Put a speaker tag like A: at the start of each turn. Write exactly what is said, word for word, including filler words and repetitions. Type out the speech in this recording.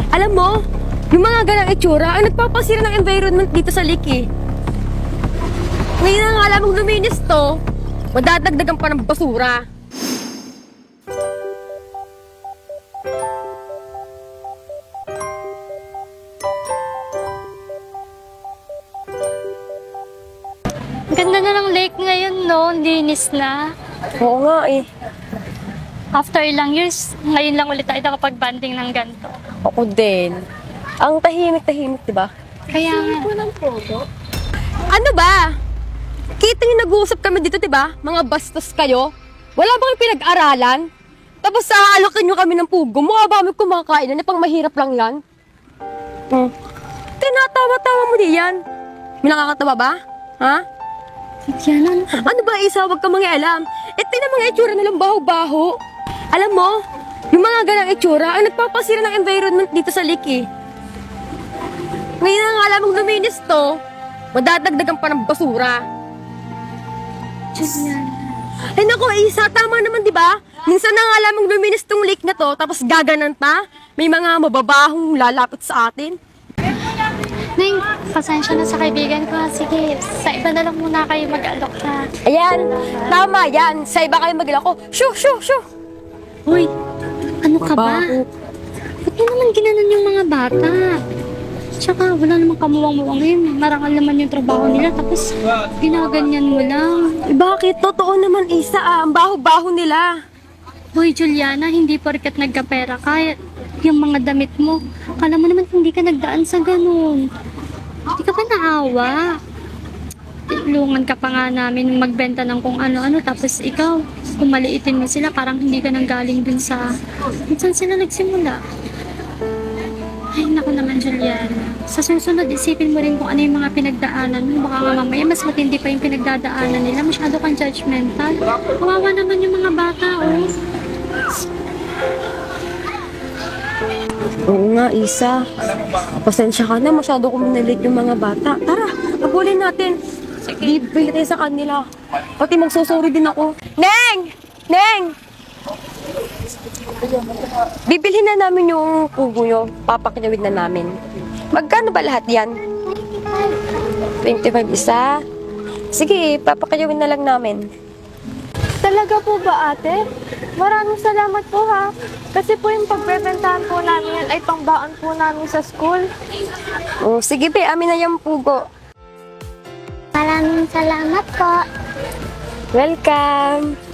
A: Alam mo, yung mga ganang itsura ang nagpapasira ng environment dito sa lake eh. Ngayon na nga alam mong luminis to, madadagdagan pa ng basura.
B: Ganda na ng lake ngayon, no? Linis na.
A: Oo nga eh.
B: After ilang years, ngayon lang ulit tayo nakapag-banding ng ganito.
A: Ako din. Ang tahimik-tahimik, di ba?
B: Kaya nga.
A: Ano ba? Kita yung nag-uusap kami dito, di ba? Mga bastos kayo. Wala bang pinag-aralan? Tapos aalokin nyo kami ng pugo. Mukha ba kami kumakain na pang mahirap lang yan? Hmm. Tinatawa-tawa mo diyan. May nakakatawa ba? Ha?
B: Yan, ano?
A: Ano ba, Isa? Huwag ka mangialam. Eh, tinan mga itsura nilang baho-baho. Alam mo, yung mga ganang itsura ang nagpapasira ng environment dito sa lake eh. Ngayon na nga alam mong luminis to, madadagdagan pa ng basura.
B: Yan.
A: Ay naku, Isa, tama naman, di ba? Minsan na nga alam mong luminis tong lake na to, tapos gaganan pa. May mga mababahong lalapit sa atin.
B: Nay, pasensya na sa kaibigan ko. Sige, sa iba na lang muna kayo mag-alok ha.
A: Ayan, tama yan. Sa iba kayo maglako. Shoo, shoo, shoo.
B: Uy, ano ka ba?
A: Mabaho.
B: Ba't mo naman ginanon yung mga bata? Tsaka wala namang kamuwang-muwang yun. Marangal naman yung trabaho nila. Tapos ginaganyan mo lang.
A: Eh, bakit? Totoo naman, Isa, ah. Ang baho-baho nila.
B: Hoy, Juliana, hindi porket nagkapera ka, yung mga damit mo. Kala mo naman hindi ka nagdaan sa ganun. Hindi ka pa naawa. Tulungan ka pa nga namin magbenta ng kung ano-ano. Tapos ikaw, kung maliitin mo sila, parang hindi ka nang galing dun sa... Saan sila nagsimula? Ay, naku naman, Juliana. Sa susunod, isipin mo rin kung ano yung mga pinagdaanan mo. Baka nga mamaya, mas matindi pa yung pinagdadaanan nila. Masyado kang judgmental. Kawawa naman yung mga bata, oh.
A: Oo nga, Isa. Pasensya ka na. Masyado kong nalit yung mga bata. Tara, abulin natin. Bibili tayo sa kanila. Pati magsusuri din ako. Neng! Neng! Bibilhin na namin yung pugo nyo. Papakinawid na namin. Magkano ba lahat yan? twenty-five isa? Sige, papakinawid na lang namin.
C: Talaga po ba, ate? Maraming salamat po, ha? Kasi po yung pagbebentahan po namin yan ay pangbaon po namin sa school.
A: Oh, sige be, amin na yung pugo.
B: Maraming salamat po.
A: Welcome!